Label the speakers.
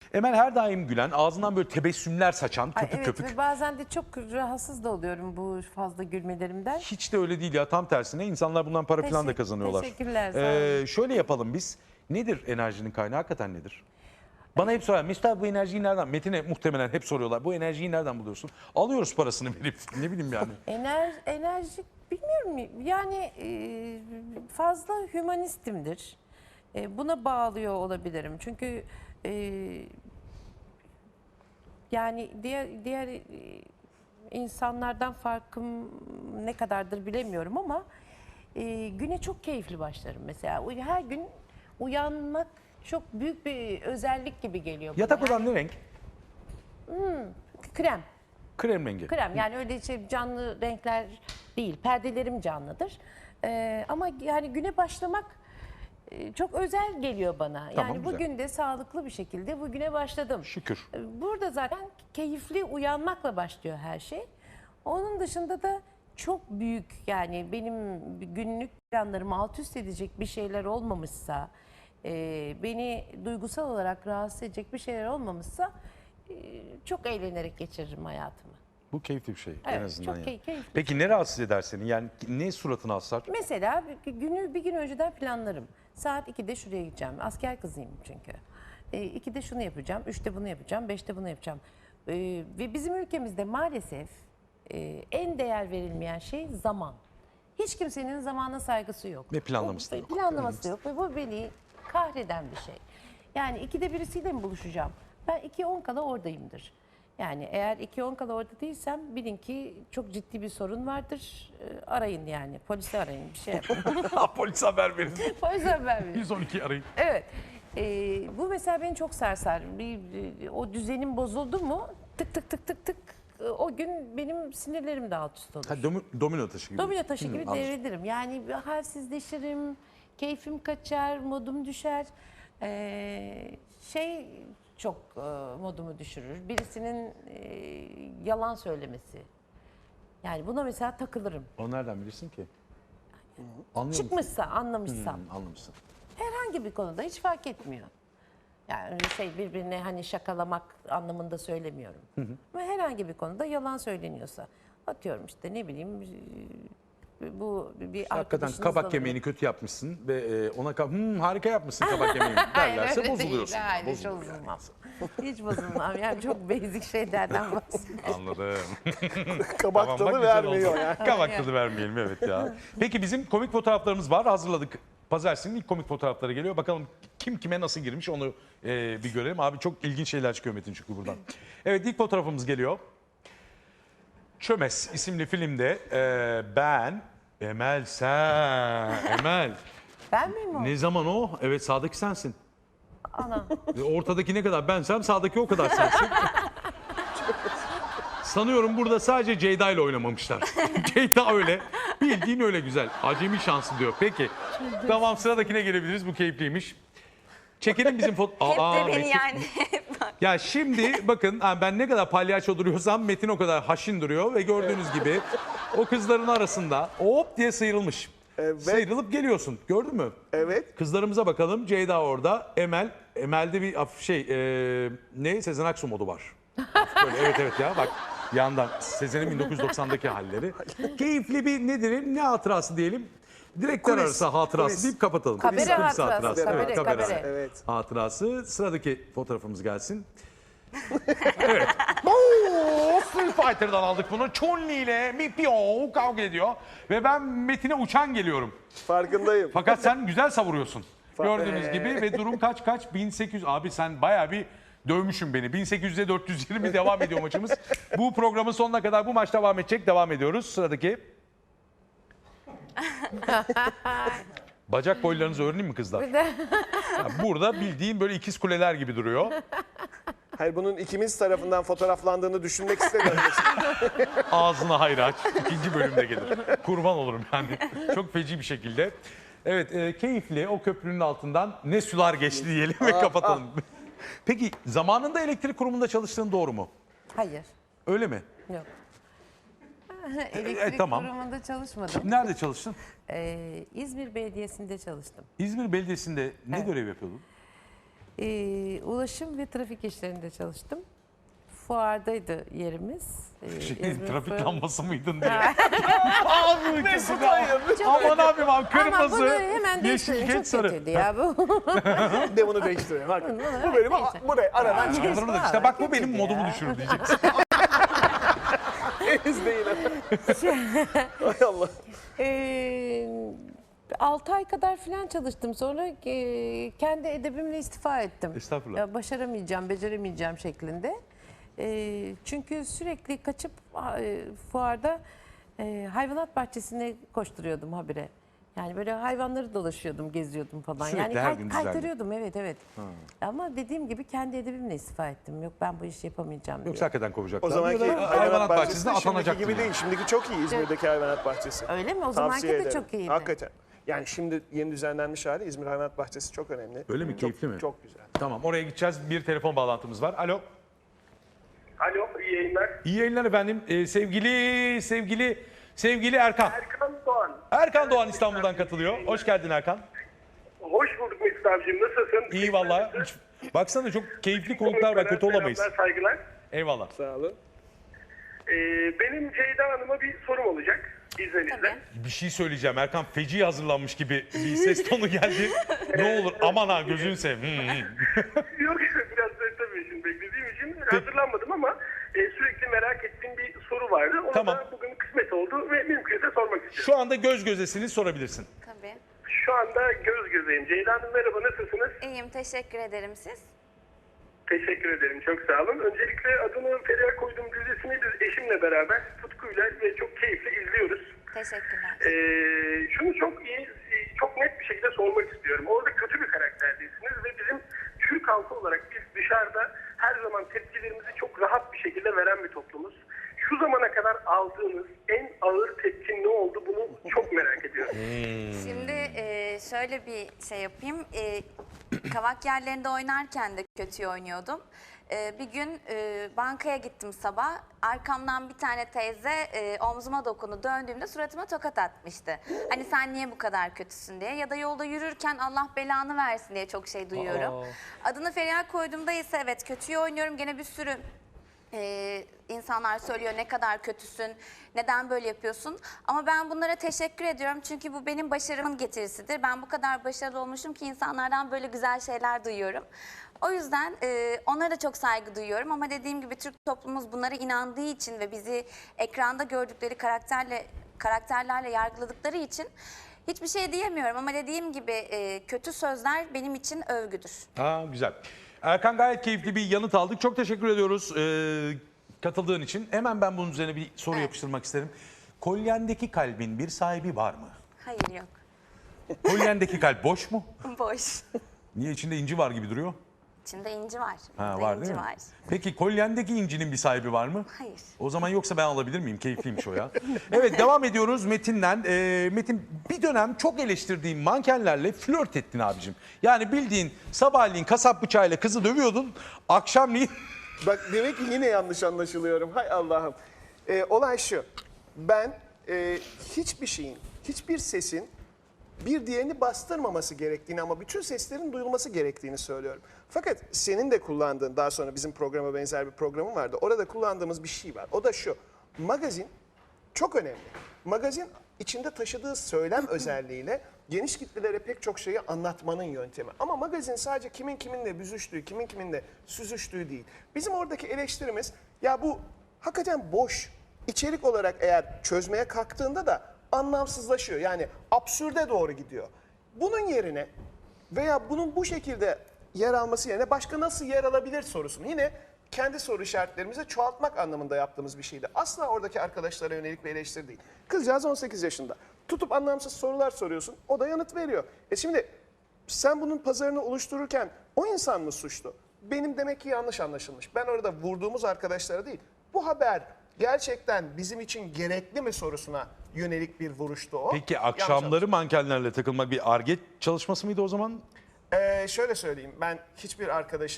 Speaker 1: Emel her daim gülen, ağzından böyle tebessümler saçan, köpük
Speaker 2: evet,
Speaker 1: köpük.
Speaker 2: ve bazen de çok rahatsız da oluyorum bu fazla gülmelerimden.
Speaker 1: Hiç de öyle değil ya, tam tersine insanlar bundan para falan da kazanıyorlar.
Speaker 2: Teşekkürler, sağ olun.
Speaker 1: Şöyle yapalım biz. Nedir enerjinin kaynağı, hakikaten nedir? Bana hep soruyorlar, Mesut abi bu enerjiyi nereden? Metin'e muhtemelen hep soruyorlar. Bu enerjiyi nereden buluyorsun? Alıyoruz parasını verip, ne bileyim yani.
Speaker 2: Enerji bilmiyorum, yani fazla hümanistimdir. Buna bağlıyor olabilirim. Çünkü yani diğer insanlardan farkım ne kadardır bilemiyorum ama güne çok keyifli başlarım mesela. Her gün uyanmak çok büyük bir özellik gibi geliyor bana.
Speaker 1: Yatak odan ne renk?
Speaker 2: Krem.
Speaker 1: Krem rengi.
Speaker 2: Krem, yani öyle canlı renkler değil. Perdelerim canlıdır. Ama yani güne başlamak çok özel geliyor bana.
Speaker 1: Tamam,
Speaker 2: Yani
Speaker 1: güzel.
Speaker 2: bugün de sağlıklı bir şekilde bugüne başladım.
Speaker 1: Şükür.
Speaker 2: Burada zaten keyifli uyanmakla başlıyor her şey. Onun dışında da çok büyük, yani benim günlük planlarımı alt üst edecek bir şeyler olmamışsa, beni duygusal olarak rahatsız edecek bir şeyler olmamışsa çok eğlenerek geçiririm hayatımı.
Speaker 1: Bu keyifli bir şey en
Speaker 2: Evet,
Speaker 1: azından.
Speaker 2: çok
Speaker 1: yani.
Speaker 2: keyifli.
Speaker 1: Peki ne rahatsız eder seni? Yani ne suratını asar?
Speaker 2: Mesela bir gün önceden planlarım. Saat 2'de şuraya gideceğim. Asker kızıyım çünkü. 2'de şunu yapacağım, 3'te bunu yapacağım, 5'te bunu yapacağım. Ve bizim ülkemizde maalesef en değer verilmeyen şey zaman. Hiç kimsenin zamana saygısı yok.
Speaker 1: Ve planlaması da yok.
Speaker 2: Planlaması da yok ve bu beni kahreden bir şey. Yani 2'de birisiyle mi buluşacağım? Ben 2:10 kala oradayımdır. Yani eğer 2:10 kala orada değilsem bilin ki çok ciddi bir sorun vardır. Arayın yani. Polisi arayın, bir şey yapın.
Speaker 1: Polis haber verin.
Speaker 2: Polise haber verin.
Speaker 1: 112 arayın.
Speaker 2: Evet. Bu mesela beni çok sarsar. O düzenim bozuldu mu tık tık tık tık tık o gün benim sinirlerim de alt üst olur.
Speaker 1: Ha, domino taşı gibi.
Speaker 2: Domino taşı gibi
Speaker 1: anladım.
Speaker 2: devrilirim. Yani bir halsizleşirim, keyfim kaçar, modum düşer. Çok modumu düşürür. Birisinin yalan söylemesi. Yani buna mesela takılırım.
Speaker 1: Onu nereden bilirsin ki? Anlıyor musun?
Speaker 2: Çıkmışsa, anlamışsam.
Speaker 1: Anlamışsın.
Speaker 2: Herhangi bir konuda hiç fark etmiyor. Yani öyle birbirine hani şakalamak anlamında söylemiyorum. Ama herhangi bir konuda yalan söyleniyorsa, atıyorum işte ne bileyim, bu bir
Speaker 1: Hakikaten
Speaker 2: arkadaşınız
Speaker 1: kabak
Speaker 2: olur.
Speaker 1: yemeğini kötü yapmışsın ve ona harika yapmışsın kabak yemeğini derlerse
Speaker 2: öyle
Speaker 1: bozuluyorsun.
Speaker 2: değil, hayır, hiç
Speaker 1: Bozulur yani.
Speaker 2: bozulmam. Hiç bozulmam. Yani çok basic şeylerden bahsediyorum.
Speaker 1: Anladım.
Speaker 3: Kabak
Speaker 1: Tamam, bak
Speaker 3: tadı
Speaker 1: güzel
Speaker 3: vermiyor
Speaker 1: oldu.
Speaker 3: yani.
Speaker 1: Kabak tadı vermeyelim, evet ya. Peki bizim komik fotoğraflarımız var, hazırladık. Pazartesi'nin ilk komik fotoğrafları geliyor. Bakalım kim kime nasıl girmiş onu bir görelim. Abi çok ilginç şeyler çıkıyor Metin çünkü buradan. Evet, ilk fotoğrafımız geliyor. Çömez isimli filmde ben, Emel sen, Emel.
Speaker 2: Ben miyim o?
Speaker 1: Ne zaman o? Evet, sağdaki sensin.
Speaker 2: Ana.
Speaker 1: Ortadaki ne kadar bensem sağdaki o kadar sensin. Sanıyorum burada sadece Ceyda ile oynamamışlar. Ceyda öyle. Bildiğin öyle güzel. Acemi şansı diyor. Peki. Tamam, sıradakine gelebiliriz. Bu keyifliymiş. Çekelim bizim foto...
Speaker 4: Hep de beni
Speaker 1: Metin.
Speaker 4: yani.
Speaker 1: Ya şimdi bakın, ben ne kadar palyaço duruyorsam Metin o kadar haşin duruyor ve gördüğünüz gibi o kızların arasında hop diye sıyrılmış.
Speaker 3: Evet.
Speaker 1: Sıyrılıp geliyorsun. Gördün mü?
Speaker 3: Evet.
Speaker 1: Kızlarımıza bakalım. Ceyda orada. Emel'de bir ne? Sezen Aksu modu var. Böyle, evet ya, bak yandan Sezen'in 1990'daki halleri. Keyifli bir ne hatırası diyelim. Direktör
Speaker 3: Kulis,
Speaker 1: arası hatırası
Speaker 3: kulis.
Speaker 1: deyip kapatalım.
Speaker 2: Kabere
Speaker 1: Kulis
Speaker 2: hatırası,
Speaker 1: Evet,
Speaker 2: kabere.
Speaker 3: Evet.
Speaker 1: hatırası. Sıradaki fotoğrafımız gelsin. Evet. Oo, Street Fighter'dan aldık bunu. Chun-Li ile Mipio kavga ediyor. Ve ben Metin'e uçan geliyorum.
Speaker 3: Farkındayım.
Speaker 1: Fakat sen güzel savuruyorsun. Gördüğünüz gibi ve durum kaç? 1800. Abi sen bayağı bir dövmüşsün beni. 1800'e 420 devam ediyor maçımız. Bu programın sonuna kadar bu maç devam edecek. Devam ediyoruz. Sıradaki. Bacak boylarınızı öğreneyim mi kızlar? Ya burada bildiğin böyle ikiz kuleler gibi duruyor.
Speaker 3: Hayır, bunun ikimiz tarafından fotoğraflandığını düşünmek istemiyorum.
Speaker 1: Ağzına hayır aç. İkinci bölümde gelir. Kurban olurum yani. Çok feci bir şekilde. Evet, keyifli. O köprünün altından ne sular geçti diyelim ve kapatalım. Peki zamanında elektrik kurumunda çalıştığın doğru mu?
Speaker 2: Hayır.
Speaker 1: Öyle mi?
Speaker 2: Yok. Elektrik
Speaker 1: tamam.
Speaker 2: kurumunda çalışmadım.
Speaker 1: Nerede çalıştın?
Speaker 2: İzmir Belediyesi'nde çalıştım.
Speaker 1: İzmir Belediyesi'nde ne
Speaker 2: Evet.
Speaker 1: görev yapıyordun?
Speaker 2: Ulaşım ve trafik işlerinde çalıştım. Fuardaydı yerimiz. İzmir
Speaker 1: Trafik
Speaker 2: Fuarı.
Speaker 1: lambası mıydın diye. Abi
Speaker 3: Mesut hayır.
Speaker 1: aman abim
Speaker 2: Ama bunu
Speaker 1: kırmızı,
Speaker 2: hemen
Speaker 1: yeşil,
Speaker 2: değiştirin.
Speaker 1: geç
Speaker 2: Çok
Speaker 1: sarı.
Speaker 2: kötüydü ya bu.
Speaker 3: De bunu değiştirelim. Hakikaten.
Speaker 2: Bunu
Speaker 3: Bu benim
Speaker 2: neyse.
Speaker 3: buraya aradan çıkıyor.
Speaker 1: Anladın mı? İşte bak bu benim
Speaker 2: Kötüydü
Speaker 1: modumu
Speaker 2: ya.
Speaker 1: düşürür diyeceksin.
Speaker 3: İzleyin. Hay Allah.
Speaker 2: 6 ay kadar falan çalıştım. Sonra kendi edebimle istifa ettim.
Speaker 1: Estağfurullah.
Speaker 2: Ya, başaramayacağım, beceremeyeceğim şeklinde. Çünkü sürekli kaçıp fuarda hayvanat bahçesine koşturuyordum habire. Yani böyle hayvanları dolaşıyordum, geziyordum falan.
Speaker 1: Sürekli
Speaker 2: yani
Speaker 1: her gün düzenli.
Speaker 2: kaytarıyordum, evet. Ama dediğim gibi kendi edebimle istifa ettim. Yok, ben bu işi yapamayacağım diye.
Speaker 1: Yoksa hakikaten kovacaklar.
Speaker 3: O zamanki
Speaker 1: Ya da
Speaker 3: hayvanat bahçesi de şimdiki
Speaker 1: atanacaktın
Speaker 3: gibi
Speaker 1: yani.
Speaker 3: değil. Şimdiki çok iyi İzmir'deki hayvanat bahçesi.
Speaker 2: Öyle mi? O zamanki
Speaker 3: Tavsiye
Speaker 2: de
Speaker 3: ederim.
Speaker 2: çok iyiydi.
Speaker 3: Hakikaten. Yani şimdi yeni düzenlenmiş hali İzmir Hayvanat Bahçesi çok önemli.
Speaker 1: Öyle mi?
Speaker 3: Çok-
Speaker 1: Keyifli mi?
Speaker 3: Çok güzel.
Speaker 1: Tamam, oraya gideceğiz. Bir telefon bağlantımız var. Alo.
Speaker 4: Alo, iyi yayınlar.
Speaker 1: İyi yayınlar efendim. Sevgili Erkan.
Speaker 4: Erkan Doğan.
Speaker 1: Erkan Doğan İstanbul'dan katılıyor. Hoş geldin Erkan.
Speaker 4: Hoş bulduk Mesut abicim. Nasılsın?
Speaker 1: İyi valla. Baksana çok keyifli konuklar var. Kötü olamayız.
Speaker 4: Selamlar, saygılar.
Speaker 1: Eyvallah.
Speaker 3: Sağ olun.
Speaker 4: Benim Ceyda Hanım'a bir sorum olacak izninizle.
Speaker 1: Bir şey söyleyeceğim. Erkan feci hazırlanmış gibi bir ses tonu geldi. Ne olur aman ha gözünü seveyim.
Speaker 4: Yok biraz da tabii şimdi beklediğim için hazırlanmadım ama sürekli merak ettiğim bir soru vardı. Onu
Speaker 1: Tamam.
Speaker 4: da bugün kısmet oldu ve mümkünse sormak istiyorum.
Speaker 1: Şu anda göz gözesiniz, sorabilirsin.
Speaker 5: Tabii.
Speaker 4: Şu anda göz gözeyim. Ceyda Hanım merhaba, nasılsınız?
Speaker 5: İyiyim, teşekkür ederim siz.
Speaker 4: Teşekkür ederim, çok sağ olun. Öncelikle adını Feriha koyduğum dizisini biz eşimle beraber tutkuyla ve çok keyifle izliyoruz.
Speaker 5: Teşekkürler.
Speaker 4: Şunu çok iyi, çok net bir şekilde sormak istiyorum. Orada kötü bir karakterdeysiniz ve bizim Türk halkı olarak biz dışarıda her zaman tepkilerimizi çok rahat bir şekilde veren bir toplumuz. Şu zamana kadar aldığınız en ağır tepki ne oldu, bunu çok merak ediyorum.
Speaker 5: Şimdi şöyle bir şey yapayım. Kavak yerlerinde oynarken de kötü oynuyordum. Bir gün bankaya gittim sabah. Arkamdan bir tane teyze omzuma dokundu. Döndüğümde suratıma tokat atmıştı. Hani sen niye bu kadar kötüsün diye. Ya da yolda yürürken Allah belanı versin diye çok şey duyuyorum. Adını Feriha koyduğumda ise evet kötüyü oynuyorum. Gene bir sürü insanlar söylüyor ne kadar kötüsün, neden böyle yapıyorsun. Ama ben bunlara teşekkür ediyorum çünkü bu benim başarımın getirisidir. Ben bu kadar başarılı olmuşum ki insanlardan böyle güzel şeyler duyuyorum. O yüzden onlara da çok saygı duyuyorum ama dediğim gibi Türk toplumumuz bunlara inandığı için ve bizi ekranda gördükleri karakterlerle yargıladıkları için hiçbir şey diyemiyorum. Ama dediğim gibi kötü sözler benim için övgüdür.
Speaker 1: Ha, güzel. Erkan gayet keyifli bir yanıt aldık. Çok teşekkür ediyoruz katıldığın için. Hemen ben bunun üzerine bir soru yapıştırmak isterim. Kolyendeki kalbin bir sahibi var mı?
Speaker 5: Hayır yok.
Speaker 1: Kolyendeki kalp boş mu?
Speaker 5: Boş.
Speaker 1: Niye, içinde inci var gibi duruyor?
Speaker 5: İçinde inci var.
Speaker 1: Ha,
Speaker 5: Burada
Speaker 1: var
Speaker 5: inci
Speaker 1: değil mi?
Speaker 5: var.
Speaker 1: Peki kolyendeki incinin bir sahibi var mı?
Speaker 5: Hayır.
Speaker 1: O zaman yoksa ben alabilir miyim? Keyifliymiş o ya. Evet, devam ediyoruz Metin'den. Metin, bir dönem çok eleştirdiğin mankenlerle flört ettin abicim. Yani bildiğin sabahleyin kasap bıçağıyla kızı dövüyordun. Akşamleyin
Speaker 3: Bak demek ki yine yanlış anlaşılıyorum. Hay Allah'ım. Olay şu. Ben hiçbir şeyin, hiçbir sesin bir diğerini bastırmaması gerektiğini ama bütün seslerin duyulması gerektiğini söylüyorum. Fakat senin de kullandığın, daha sonra bizim programa benzer bir programın vardı. Orada kullandığımız bir şey var. O da şu. Magazin çok önemli. Magazin içinde taşıdığı söylem özelliğiyle geniş kitlelere pek çok şeyi anlatmanın yöntemi. Ama magazin sadece kimin kiminle büzüştüğü, kimin kiminle süzüştüğü değil. Bizim oradaki eleştirimiz ya bu hakikaten boş. İçerik olarak eğer çözmeye kalktığında da anlamsızlaşıyor. Yani absürde doğru gidiyor. Bunun yerine veya bunun bu şekilde yer alması yerine başka nasıl yer alabilir sorusunu yine kendi soru işaretlerimize çoğaltmak anlamında yaptığımız bir şeydi. Asla oradaki arkadaşlara yönelik bir eleştiri değil. Kızcağız 18 yaşında. Tutup anlamsız sorular soruyorsun. O da yanıt veriyor. Şimdi sen bunun pazarını oluştururken o insan mı suçlu? Benim demek ki yanlış anlaşılmış. Ben orada vurduğumuz arkadaşlara değil. Bu haber gerçekten bizim için gerekli mi sorusuna yönelik bir vuruştu o.
Speaker 1: Peki
Speaker 3: Yanlış
Speaker 1: akşamları mankenlerle takılmak bir Ar-Ge çalışması mıydı o zaman?
Speaker 3: Şöyle söyleyeyim, ben hiçbir arkadaşım